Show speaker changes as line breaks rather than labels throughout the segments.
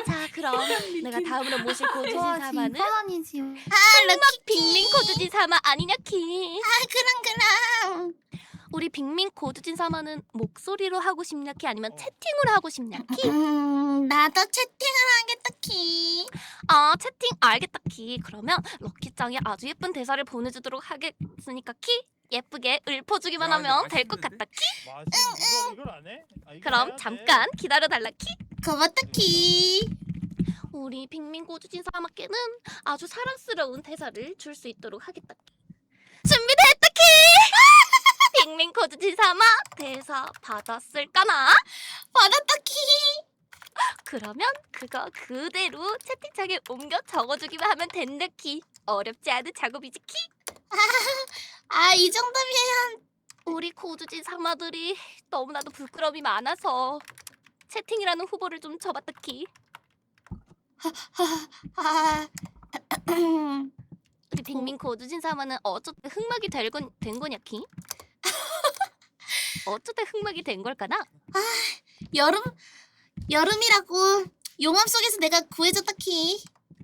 자, 그럼 내가 다음으로 모실 고주진 사마는
빈번이지.
럭키
빅민 고주진 사마 아니냐 키?
그럼.
우리 빅민 고주진 사마는 목소리로 하고 싶냐 키 아니면 채팅으로 하고 싶냐 키?
나도 채팅을 하겠다 키.
아, 채팅 알겠다 키. 그러면 럭키짱이 아주 예쁜 대사를 보내주도록 하겠으니까 키? 예쁘게 읊어주기만 하면 될 것 같다 키?
이걸 안 해? 아, 이걸
그럼
해야 돼.
잠깐 기다려달라 키?
고맙다 키.
우리 빅민 고주진 사마께는 아주 사랑스러운 대사를 줄 수 있도록 하겠다 키. 준비됐다 키! 빅민 고주진 사마 대사 받았을까나?
받았다 키.
그러면 그거 그대로 채팅창에 옮겨 적어주기만 하면 된다 키. 어렵지 않은 작업이지 키?
이 정도면
우리 고주진 사마들이 너무나도 부끄러움이 많아서 채팅이라는 후보를 좀 접었다 키. 우리 빅민 고주진 사마는 어쩌다 흑막이 된 거냐 키? 어쩌다 흑막이 된 걸까나?
여름이라고 용암 속에서 내가 구해줬다 키.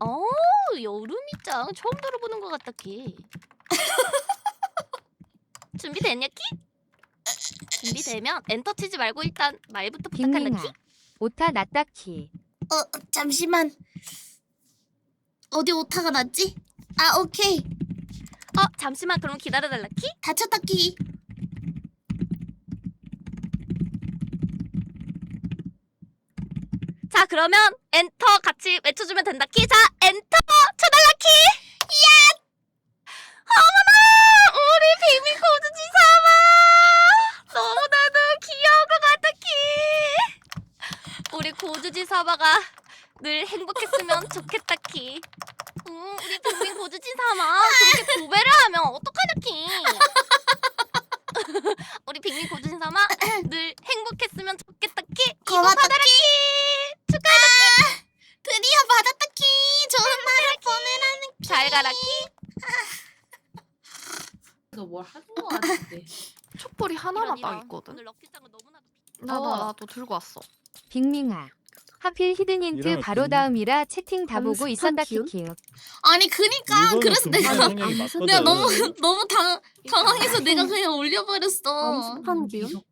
여름이짱 처음 들어보는 것 같다 키. 준비됐냐 키? 준비되면 엔터 치지 말고 일단 말부터 부탁한다
빅민아,
키.
오타 났다 키.
잠시만. 어디 오타가 났지? 오케이.
잠시만 그럼 기다려달라 키.
다쳤다 키.
자 그러면 엔터 같이 외쳐주면 된다 키. 자 엔터 쳐달라 키. 어머나 우리 빅민 고주진 사마 너무나도 귀여운 것 같다 키. 우리 고주진 사마가 늘 행복했으면 좋겠다 키. 우리 빅민 고주진 사마 그렇게 고배를 하면 어떡하냐 키. 우리 빅민 고주진 사마 늘 행복했으면 좋겠다 키. 이거
고맙다
받아라 키. 축하해라 키.
드디어 받았다 키. 좋은 날을 보내라는 키.
잘 가라 키.
이거 뭘 하는 거 같은데.
촛불이 하나만
이런,
딱 있거든.
오늘 럭키짱은 너무나도
나도 들고 왔어.
빅민아, 하필 히든 힌트
이러면
바로
빅민.
다음이라 채팅 다 보고
스파
있었다
키움?
키키요.
아니 그니까
이거는
그래서
금방
내가
생각이 맞거든.
너무 당황해서 내가 그냥 올려버렸어.
암스판 기운?